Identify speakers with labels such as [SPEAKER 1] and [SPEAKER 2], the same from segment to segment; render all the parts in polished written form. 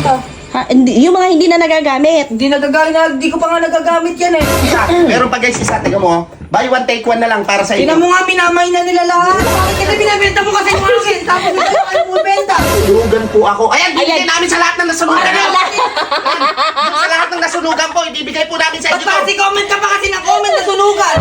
[SPEAKER 1] binibenta.
[SPEAKER 2] Ha, yung mga hindi na nagagamit.
[SPEAKER 1] Hindi ko pa nga nagagamit yan eh.
[SPEAKER 3] Meron pa guys, isa, tiga mo. Buy one, take one na lang para sa
[SPEAKER 1] Tingnan
[SPEAKER 3] inyo.
[SPEAKER 1] mo nga, minamay na nila lahat. Bakit kita binibenta mo kasi mga akin? Tapos hindi ko kayo bumibenta.
[SPEAKER 3] Sunugan po ako. Ayan, bibigay
[SPEAKER 2] Ayan.
[SPEAKER 3] namin sa lahat ng nasunugan. Sa lahat ng nasunugan po, ibibigay po namin sa
[SPEAKER 1] Ba't
[SPEAKER 3] inyo.
[SPEAKER 1] pa kasi comment ka pa kasi ng comment na sunugan?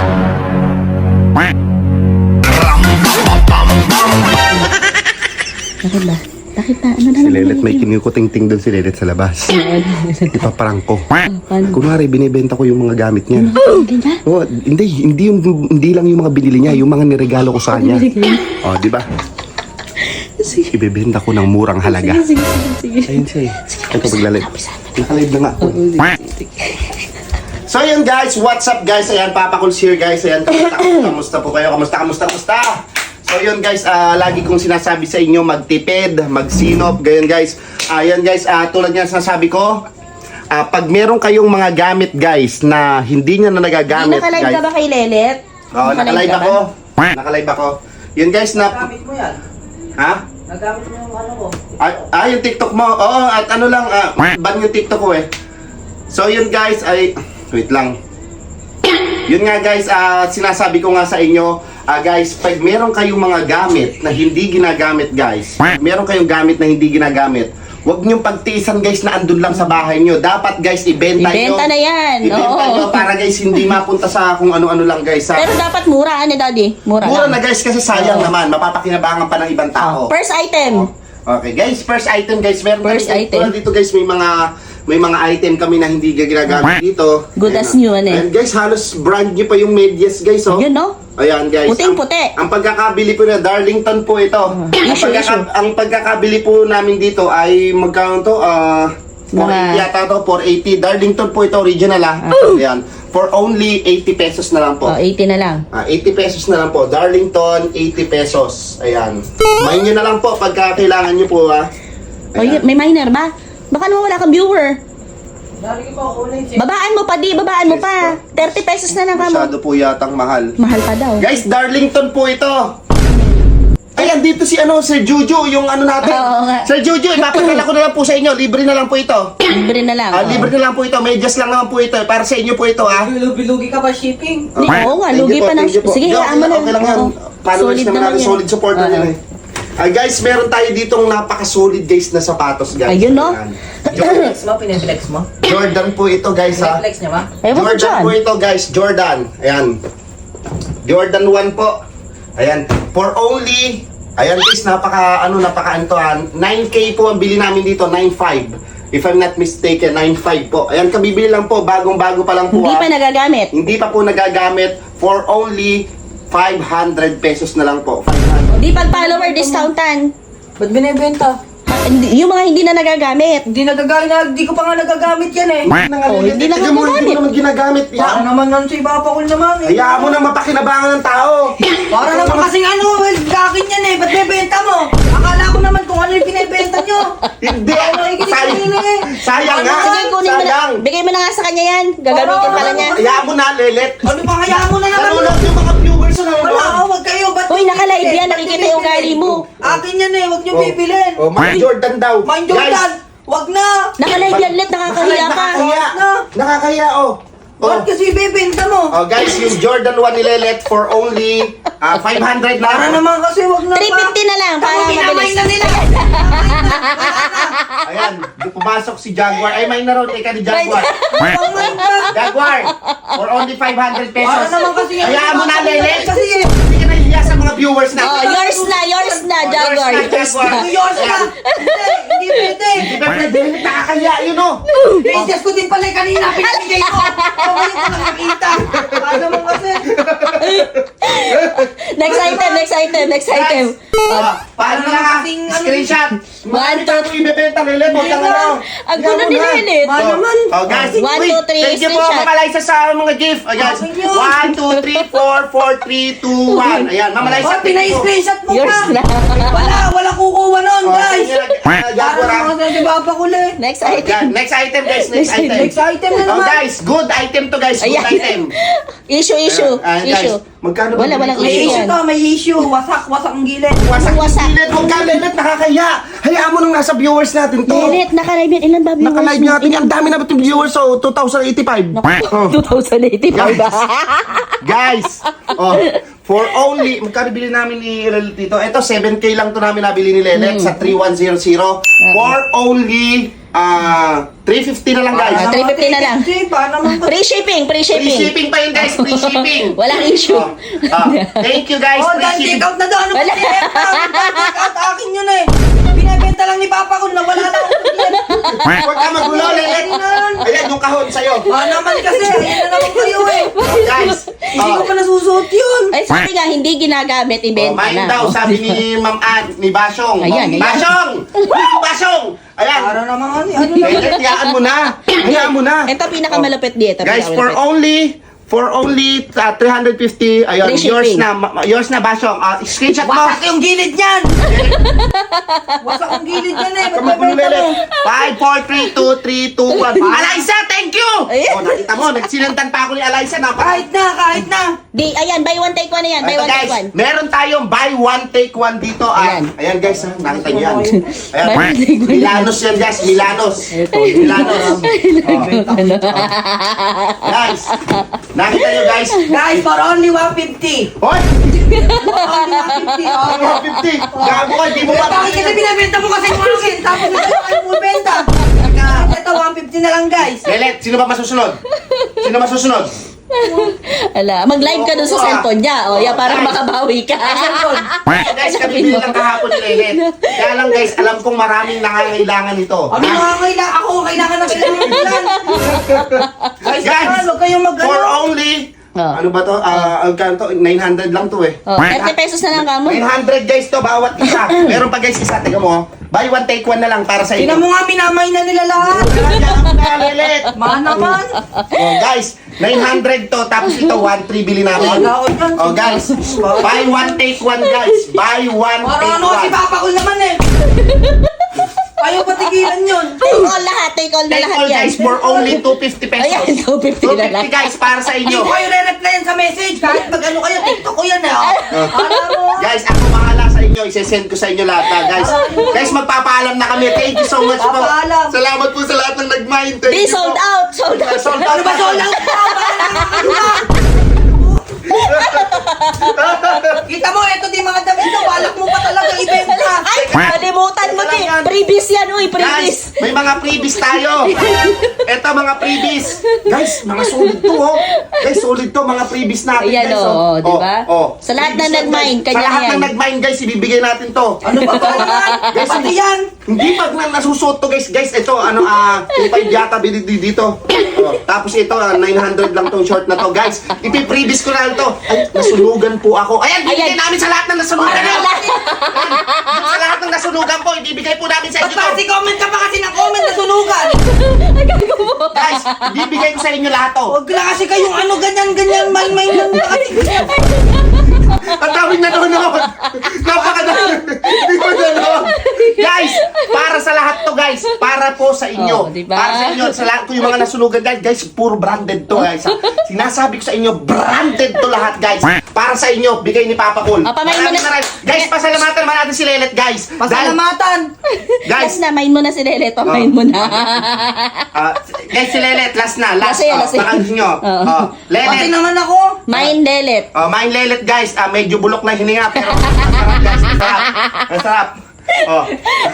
[SPEAKER 2] Bakit ba? Bakit na? Ano na
[SPEAKER 3] Si
[SPEAKER 2] naman?
[SPEAKER 3] Lelet, may kinikuting-ting doon si Lelet sa labas. Ipaparang ko. Kunwari, binibenta ko yung mga gamit niya.
[SPEAKER 2] Ganyan?
[SPEAKER 3] Oh, hindi lang yung mga binili niya, yung mga niregalo ko sa kanya. Oh, di ba?
[SPEAKER 2] Sige.
[SPEAKER 3] Ibebenta ko ng murang halaga.
[SPEAKER 2] Sige.
[SPEAKER 3] Ayun siya eh. Ito, paglalive. Nakalive na nga. So yun guys, what's up guys? Ayan, Papa Cool here guys. Ayan, kamusta po kayo? Kamusta? So yun guys, lagi kong sinasabi sa inyo, magtipid, magsinop, gayon guys. Ayan guys, tulad nga sinasabi ko, pag meron kayong mga gamit guys na hindi nyo na nagagamit
[SPEAKER 2] Nakalive
[SPEAKER 3] guys.
[SPEAKER 2] ka ba kay Lelet?
[SPEAKER 3] Oo, nakalive ako. Nakalive ako. Yun guys na...
[SPEAKER 1] Nagamit mo yan.
[SPEAKER 3] Ha?
[SPEAKER 1] Nagamit mo yung ano ko.
[SPEAKER 3] Yung TikTok mo. Oo, at ano lang, ban yung TikTok ko eh. So yun guys, wait lang. Yun nga guys, sinasabi ko nga sa inyo, guys, pag meron kayong mga gamit na hindi ginagamit guys, meron kayong gamit na hindi ginagamit, huwag niyong pagtiisan guys na andun lang sa bahay niyo. Dapat guys, ibenta niyo.
[SPEAKER 2] Ibenta na yan.
[SPEAKER 3] Ibenta
[SPEAKER 2] Oo.
[SPEAKER 3] niyo para guys, hindi mapunta sa kung ano-ano lang guys.
[SPEAKER 2] Pero dapat mura, ano daddy? Mura
[SPEAKER 3] Mura
[SPEAKER 2] lang.
[SPEAKER 3] na guys kasi sayang naman, mapapakinabangan pa ng ibang tao.
[SPEAKER 2] First item.
[SPEAKER 3] Okay guys, first item guys, meron
[SPEAKER 2] First
[SPEAKER 3] kami,
[SPEAKER 2] item.
[SPEAKER 3] tulad dito guys, may mga item kami na hindi ginagamit dito.
[SPEAKER 2] Good
[SPEAKER 3] Ayan,
[SPEAKER 2] as new, ano eh.
[SPEAKER 3] Ayan guys, halos brand new pa yung medyas guys, oh.
[SPEAKER 2] Yun, no?
[SPEAKER 3] Ayan guys.
[SPEAKER 2] Puting-puti.
[SPEAKER 3] Ang pagkakabili po na Darlington po ito.
[SPEAKER 2] Issue.
[SPEAKER 3] Ang pagkakabili po namin dito ay magkano to? 480 yata to, 480. Darlington po ito, original Ayan. For only 80 pesos na lang po.
[SPEAKER 2] Oh, 80 na lang.
[SPEAKER 3] 80 pesos na lang po. Darlington, 80 pesos. Ayan. Main nyo na lang po pagka kailangan nyo po
[SPEAKER 2] Oh, may minor ba? Baka naman wala kang viewer.
[SPEAKER 1] Dari ko ako ulit siya.
[SPEAKER 2] Babaan mo pa, babaan mo pa. 30 pesos na lang ka mo.
[SPEAKER 3] Masyado po yatang mahal.
[SPEAKER 2] Mahal pa daw.
[SPEAKER 3] Guys, Darlington po ito. Ayan, dito si Sir Juju, yung ano natin.
[SPEAKER 2] Oo nga.
[SPEAKER 3] Sir Juju, ipapadala ko na lang po sa inyo. Libre na lang po ito.
[SPEAKER 2] Libre na lang.
[SPEAKER 3] Libre na lang po ito. Medyas lang naman po ito. Para sa inyo po ito,
[SPEAKER 1] Lugi ka ba shipping?
[SPEAKER 2] Oo nga, lugi pa ng... Sige, hayaan mo na.
[SPEAKER 3] Okay lang yan.
[SPEAKER 2] Oo.
[SPEAKER 3] Followers
[SPEAKER 2] Solid
[SPEAKER 3] naman natin,
[SPEAKER 2] yan.
[SPEAKER 3] solid support na nila eh. Guys, meron tayo ditong napaka-solid guys na sapatos guys.
[SPEAKER 2] Ayun, no?
[SPEAKER 3] Ayan.
[SPEAKER 1] Flex mo, piniflex mo?
[SPEAKER 3] Jordan po ito guys ha.
[SPEAKER 1] Piniflex niya ba?
[SPEAKER 2] Ewan ko
[SPEAKER 3] Jordan
[SPEAKER 2] dyan.
[SPEAKER 3] po ito guys, Jordan. Ayan. Jordan 1 po. Ayan. For only, ayan guys, napaka 9K po ang bili namin dito, 9.5. If I'm not mistaken, 9.5 po. Ayan, kabibili lang po, bagong-bago pa lang po.
[SPEAKER 2] Hindi pa nagagamit.
[SPEAKER 3] Hindi pa po nagagamit for only 500 pesos na lang po.
[SPEAKER 2] Di pag follower discountan.
[SPEAKER 1] Ba't binibenta?
[SPEAKER 2] Yung mga hindi na nagagamit.
[SPEAKER 1] Hindi ko pa nga nagagamit yan eh.
[SPEAKER 2] Hindi na
[SPEAKER 3] Tignan mo,
[SPEAKER 2] ginagamit.
[SPEAKER 3] Hindi mo naman ginagamit.
[SPEAKER 1] Para naman nun si Papa Cool naman eh.
[SPEAKER 3] Hayaan mo na mapakinabangan ng tao.
[SPEAKER 1] Para naman kasing gakin yan eh. Ba't bibenta mo? Akala ko naman kung ano yung binibenta nyo.
[SPEAKER 3] Hindi.
[SPEAKER 1] Nakikinig
[SPEAKER 3] Sayang.
[SPEAKER 1] eh.
[SPEAKER 3] Sayang nga.
[SPEAKER 2] Sige, kunin mo na.
[SPEAKER 3] Sayang.
[SPEAKER 2] Bigay mo na nga sa kanya yan. Gagamitin pala niya.
[SPEAKER 3] Hayaan mo na, Lelet.
[SPEAKER 1] Ano pa kaya mo na naman?
[SPEAKER 3] Nanonood yung mga viewers na
[SPEAKER 1] Wala,
[SPEAKER 3] nanonood.
[SPEAKER 1] wag kayo. Ba't
[SPEAKER 2] Uy, naka-live yan.
[SPEAKER 1] Ba't
[SPEAKER 2] Nakikita yung
[SPEAKER 1] bibili?
[SPEAKER 2] ugali mo.
[SPEAKER 1] Akin yan eh. Wag nyo bibilin.
[SPEAKER 3] Mike Jordan daw.
[SPEAKER 1] Mind Jordan. Wag na.
[SPEAKER 2] Naka-live yan, Let. Nakakahiya ka.
[SPEAKER 3] Nakakahiya.
[SPEAKER 1] Na.
[SPEAKER 3] Nakakahiya, oh.
[SPEAKER 1] Ba't kasi bibenta mo?
[SPEAKER 3] Oh, guys, yung Jordan 1 ni Lelet for only 500 na.
[SPEAKER 1] Para naman kasi wag na
[SPEAKER 2] 350 na lang para
[SPEAKER 1] Pinamay
[SPEAKER 2] mabilis.
[SPEAKER 1] na nila.
[SPEAKER 3] Ayan, pumasok si Jaguar. Ay, may na raw. Teka ni Jaguar. Jaguar, for only 500 pesos.
[SPEAKER 1] Para naman kasi yan.
[SPEAKER 3] Hayaan mo na, Lelet.
[SPEAKER 1] Kasi
[SPEAKER 3] Hindi ka nahihiya sa mga viewers na.
[SPEAKER 2] Oh, yours na, Jaguar.
[SPEAKER 3] Yours na, Jaguar.
[SPEAKER 1] yours na. Hindi pwede.
[SPEAKER 3] Hindi ba pwede? Nakakahiya yun, oh.
[SPEAKER 1] Princess ko din pala yung kanina. Pinamigay ko. Okay ko lang nakita. Para naman kasi.
[SPEAKER 2] Next item.
[SPEAKER 3] Paano na nga? Screenshot.
[SPEAKER 2] 1, 2,
[SPEAKER 3] Ito ibebenta, Lelet. Huwag kang ano.
[SPEAKER 2] Ang gulo ni Lelet.
[SPEAKER 1] Ba naman?
[SPEAKER 3] Oh, guys,
[SPEAKER 2] 1, 2, 3,
[SPEAKER 3] thank you po,
[SPEAKER 2] screenshot.
[SPEAKER 3] Mama Liza, sa mga gift. Oh, guys,
[SPEAKER 1] Thank you.
[SPEAKER 3] 1, 2, 3, 4, 4, 3, 2, 1. Ayan, Mama Liza,
[SPEAKER 1] Oh,
[SPEAKER 3] thank you po.
[SPEAKER 1] pinay-screenshot mo
[SPEAKER 2] Yours
[SPEAKER 1] pa.
[SPEAKER 2] na.
[SPEAKER 1] Wala kukuha nun,
[SPEAKER 3] Oh,
[SPEAKER 1] guys.
[SPEAKER 3] thank you,
[SPEAKER 1] Para
[SPEAKER 3] Jaguar,
[SPEAKER 1] naman kasi, di ba? Papa ko eh.
[SPEAKER 2] Next
[SPEAKER 3] Yan,
[SPEAKER 2] item.
[SPEAKER 3] next item guys, next item.
[SPEAKER 1] Next item na
[SPEAKER 3] Oh
[SPEAKER 1] naman.
[SPEAKER 3] guys, good item to guys, good
[SPEAKER 2] Ayan.
[SPEAKER 3] item.
[SPEAKER 2] Issue.
[SPEAKER 3] Ayan, guys.
[SPEAKER 2] Issue.
[SPEAKER 3] Magkano ba
[SPEAKER 2] Walang
[SPEAKER 3] bili ko?
[SPEAKER 1] May
[SPEAKER 2] issue
[SPEAKER 1] issue
[SPEAKER 2] yan.
[SPEAKER 1] to, may issue. Wasak ang gilid.
[SPEAKER 3] Wasak
[SPEAKER 2] Wasak.
[SPEAKER 3] gilid, huwag ka lelet, nakakaya. Hayaan mo nung nasa viewers natin to.
[SPEAKER 2] Lelet, naka-live yan. Ilan ba viewers?
[SPEAKER 3] Naka-live natin, ang dami na ba itong viewers, so 2,085. Oh.
[SPEAKER 2] 2,085 ba?
[SPEAKER 3] Guys, oh, for only, magkano bili namin ni Lelet dito? Ito, 7K lang to namin nabili ni Lelet sa 3100. For only 350 na lang guys.
[SPEAKER 2] 350 na lang.
[SPEAKER 1] Paano naman to?
[SPEAKER 2] Free shipping.
[SPEAKER 3] Free shipping pa yun guys, free shipping.
[SPEAKER 2] Walang issue.
[SPEAKER 3] Thank you guys,
[SPEAKER 1] Oh,
[SPEAKER 3] free
[SPEAKER 1] dan
[SPEAKER 3] shipping.
[SPEAKER 1] take out na doon. Ano ba
[SPEAKER 2] Wala.
[SPEAKER 1] take out? Akin yun eh. Binibenta lang ni Papa ko na wala lang ako yan.
[SPEAKER 3] Huwag ka magulo, Lelet. Ayan, yung kahon sa'yo.
[SPEAKER 1] Naman kasi, ayan na naman kayo eh.
[SPEAKER 3] Guys,
[SPEAKER 1] Hindi ko pa nasusuot yun.
[SPEAKER 2] Ay, sabi nga, hindi ginagamit, ibenta
[SPEAKER 3] mine
[SPEAKER 2] na.
[SPEAKER 3] daw, sabi ni Ma'am Ann, ni Basyong.
[SPEAKER 2] Ayan, ayan.
[SPEAKER 3] Basyong! Basyong! Ayan.
[SPEAKER 1] Para naman ano lang.
[SPEAKER 3] Lelet, hayaan mo na. Hayaan mo na.
[SPEAKER 2] Ito pinakamalupit dito.
[SPEAKER 3] Guys, for only 350, ayun,
[SPEAKER 2] Free
[SPEAKER 3] yours
[SPEAKER 2] shipping.
[SPEAKER 3] na, Basyong. Screenshot mo.
[SPEAKER 1] Wasak yung gilid niyan. Wasak yung gilid niyan eh.
[SPEAKER 3] Come on,
[SPEAKER 1] Magbebenta
[SPEAKER 3] Lelet.
[SPEAKER 1] mo.
[SPEAKER 3] 5, 4, 3, 2, 3, 2, 1. Eliza, thank you!
[SPEAKER 2] Ayan.
[SPEAKER 3] Oh, nakita mo, nagsinantan pa ako ni Eliza.
[SPEAKER 1] Kahit na.
[SPEAKER 2] Di, ayan, buy one take one na yan. Buy
[SPEAKER 3] Ito
[SPEAKER 2] one
[SPEAKER 3] guys,
[SPEAKER 2] take one.
[SPEAKER 3] meron tayong buy one take one dito.
[SPEAKER 2] Ayan.
[SPEAKER 3] Ayan guys, nakita niyo yan.
[SPEAKER 2] Buy one, take one.
[SPEAKER 3] Milanos yan guys, Milanos. Milanos. Guys, nakita niyo guys.
[SPEAKER 1] Guys, for only 150.
[SPEAKER 3] Hoy!
[SPEAKER 1] Only 150. Oh.
[SPEAKER 3] 150! Gago ka, di mo
[SPEAKER 1] Eh, bakit kasi binibenta mo kasi yung akin? Tapos ito kayo bumibenta. Ito, 150 na lang guys.
[SPEAKER 3] Lelet, sino ba masusunod? Sino masusunod?
[SPEAKER 2] Ala, mag-live ka dun sa cellphone niya. O, yan, para makabawi ka.
[SPEAKER 3] Guys, kabibili lang kahapon ni Lelet. Kaya lang guys, alam kong maraming nangangailangan nito.
[SPEAKER 1] Ano nga kailangan? Ako kailangan ng kailangan ng plan. Guys,
[SPEAKER 3] Guys,
[SPEAKER 1] huwag kayong
[SPEAKER 3] for only,
[SPEAKER 2] Oh.
[SPEAKER 3] ano ba to? Ang kanto, 900 lang to eh.
[SPEAKER 2] O, 30 pesos na lang kamo.
[SPEAKER 3] 900 guys to, bawat isa. Meron pa guys isa, tiga mo. Buy one, take one na lang para sa
[SPEAKER 1] Tingnan
[SPEAKER 3] inyo.
[SPEAKER 1] mo nga, minamay na nila lahat.
[SPEAKER 3] Lelet.
[SPEAKER 1] Man naman.
[SPEAKER 3] Oh, guys, 900 to, tapos ito 1,3 bili namin.
[SPEAKER 1] Wala ko dyan.
[SPEAKER 3] Oh guys, buy one, take one guys. Buy one,
[SPEAKER 1] Para
[SPEAKER 3] take
[SPEAKER 1] ano si
[SPEAKER 3] one.
[SPEAKER 1] Papa ko naman eh. Ayaw patigilan yun.
[SPEAKER 2] Take all lahat. Take all na
[SPEAKER 3] Take
[SPEAKER 2] lahat
[SPEAKER 3] all
[SPEAKER 2] yan.
[SPEAKER 3] guys for only 250 pesos.
[SPEAKER 2] Ayan, 250 na lang.
[SPEAKER 3] 250 guys para sa
[SPEAKER 1] Hindi
[SPEAKER 3] inyo.
[SPEAKER 1] ko kayo re-replyan sa message. Kahit mag-ano kayo, TikTok ko yan eh. Alam mo.
[SPEAKER 3] Guys, ako bahala sa inyo. Isesend ko sa inyo lahat ha, guys. Guys, magpapaalam na kami. Thank you so much po.
[SPEAKER 1] Papaalam.
[SPEAKER 3] Salamat po sa lahat ng nag-mind. Thank
[SPEAKER 2] Di,
[SPEAKER 3] you po.
[SPEAKER 2] sold out. Sold out.
[SPEAKER 3] Sold out.
[SPEAKER 1] Ano ba sold out pa? Ano ba? Kita mo, eto di mga damit to. Balak mo pa talaga ibenta.
[SPEAKER 2] Ay, kalimutan mo, Di. Previous yan, uy. Previous.
[SPEAKER 3] Guys, may mga freebies tayo. Eto mga freebies. Guys, mga solid to oh. Guys, solid to mga freebies natin
[SPEAKER 2] Ayan,
[SPEAKER 3] guys.
[SPEAKER 2] oh, di ba? Sa lahat
[SPEAKER 3] Freebies
[SPEAKER 2] ng nag-mind,
[SPEAKER 3] guys.
[SPEAKER 2] kanya
[SPEAKER 3] Sa lahat
[SPEAKER 2] yan.
[SPEAKER 3] ng nag-mind guys, ibibigay natin to.
[SPEAKER 1] Ano ba ba naman?
[SPEAKER 3] Guys,
[SPEAKER 1] Pati yan.
[SPEAKER 3] Hindi pag nasusuot to guys. Guys, ito ano 2.5 yata binili dito. Oh, tapos ito 900 lang tong short na to guys. Ipi-freebies ko na to. Ay, nasunugan po ako. Ayan, bibigay
[SPEAKER 2] Ayan.
[SPEAKER 3] namin sa lahat ng nasunugan.
[SPEAKER 2] Para
[SPEAKER 3] Ayan.
[SPEAKER 2] lahat.
[SPEAKER 3] Sa lahat ng nasunugan po, ibibigay po namin sa
[SPEAKER 1] Ba't
[SPEAKER 3] inyo
[SPEAKER 1] pa
[SPEAKER 3] to.
[SPEAKER 1] kasi comment ka pa kasi ng comment na sunugan?
[SPEAKER 3] Guys, bibigay ko sa inyo lahat to.
[SPEAKER 1] Huwag lang kasi kayong ano ganyan, may lang kasi.
[SPEAKER 3] Ang daming nanonood. Napakadami. Hindi ko nanonood. Guys, para sa lahat to guys. Para po sa inyo.
[SPEAKER 2] Oh, diba?
[SPEAKER 3] Para sa inyo. Sa lahat ko yung mga nasunugan guys. Guys, puro branded to guys. Sinasabi ko sa inyo, branded to lahat guys. Para sa inyo, bigay ni Papa Cool.
[SPEAKER 2] Oh, pamain mo na.
[SPEAKER 3] Guys, pasalamatan naman natin si Lelet guys.
[SPEAKER 1] Pasalamatan.
[SPEAKER 3] Guys,
[SPEAKER 2] Last na, main mo na si Lelet. Pamain mo na.
[SPEAKER 3] guys, si Lelet, last na. Last.
[SPEAKER 2] Last yan, last yan.
[SPEAKER 3] Baka gusto nyo.
[SPEAKER 1] Pati
[SPEAKER 3] Lelet.
[SPEAKER 1] naman ako.
[SPEAKER 2] Main Lelet.
[SPEAKER 3] Mine Lelet guys, medyo bulok na hininga pero masarap guys, masarap. Masarap. Oh.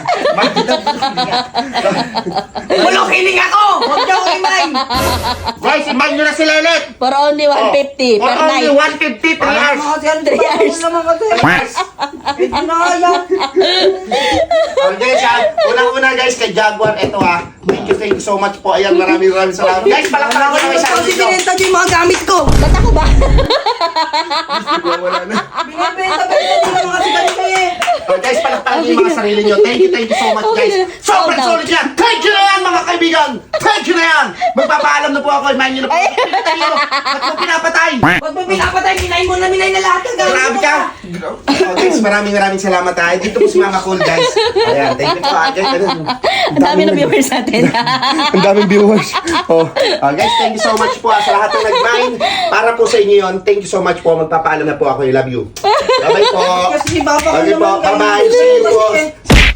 [SPEAKER 1] Bulok hiling ako. Huwag daw imay.
[SPEAKER 3] Guys, imag nyo na si Lelet.
[SPEAKER 2] For only 150
[SPEAKER 3] For
[SPEAKER 2] per
[SPEAKER 3] only
[SPEAKER 2] night.
[SPEAKER 3] 150 3 hours.
[SPEAKER 1] Mga kasi ano
[SPEAKER 2] 3 years.
[SPEAKER 1] naman kasi.
[SPEAKER 3] Guys,
[SPEAKER 1] Hindi na kaya.
[SPEAKER 3] okay guys, unang-una guys kay Jaguar, eto thank you so much po. Ayan, maraming salamat. Guys, palakpakan nyo kami sa
[SPEAKER 1] Kasi
[SPEAKER 3] akin.
[SPEAKER 1] binenta niyo yung mga gamit ko.
[SPEAKER 2] Ba't ako ba?
[SPEAKER 3] Wala na.
[SPEAKER 1] Binibenta niyo mga kasi ganito eh.
[SPEAKER 3] Guys, palakpakan nyo yung mga sarili nyo. Thank you so much guys.
[SPEAKER 2] Sold
[SPEAKER 3] Sobrang
[SPEAKER 2] out.
[SPEAKER 3] solid yan. Thank you na yan mga kaibigan. Thank you na yan. Magpapaalam na po ako. Imahin nyo na po. At kung pinapatay.
[SPEAKER 1] Ba't mo pinapatay? Minay mo na minay na lahat ng gamit
[SPEAKER 3] Grabe
[SPEAKER 1] mo
[SPEAKER 3] ka! Guys, maraming salamat ha. Dito po si Mama Cool, guys. Ayan, thank you po. Guys,
[SPEAKER 2] Ang dami na viewers natin.
[SPEAKER 3] Ang daming viewers. Guys, thank you so much po sa lahat ng nag-mind. Para po sa inyo yun, thank you so much po. Magpapaalam na po ako. I love you. Bye-bye po.
[SPEAKER 1] Kasi si Papa ko
[SPEAKER 3] Okay po.
[SPEAKER 1] naman.
[SPEAKER 3] Bye-bye. See you po.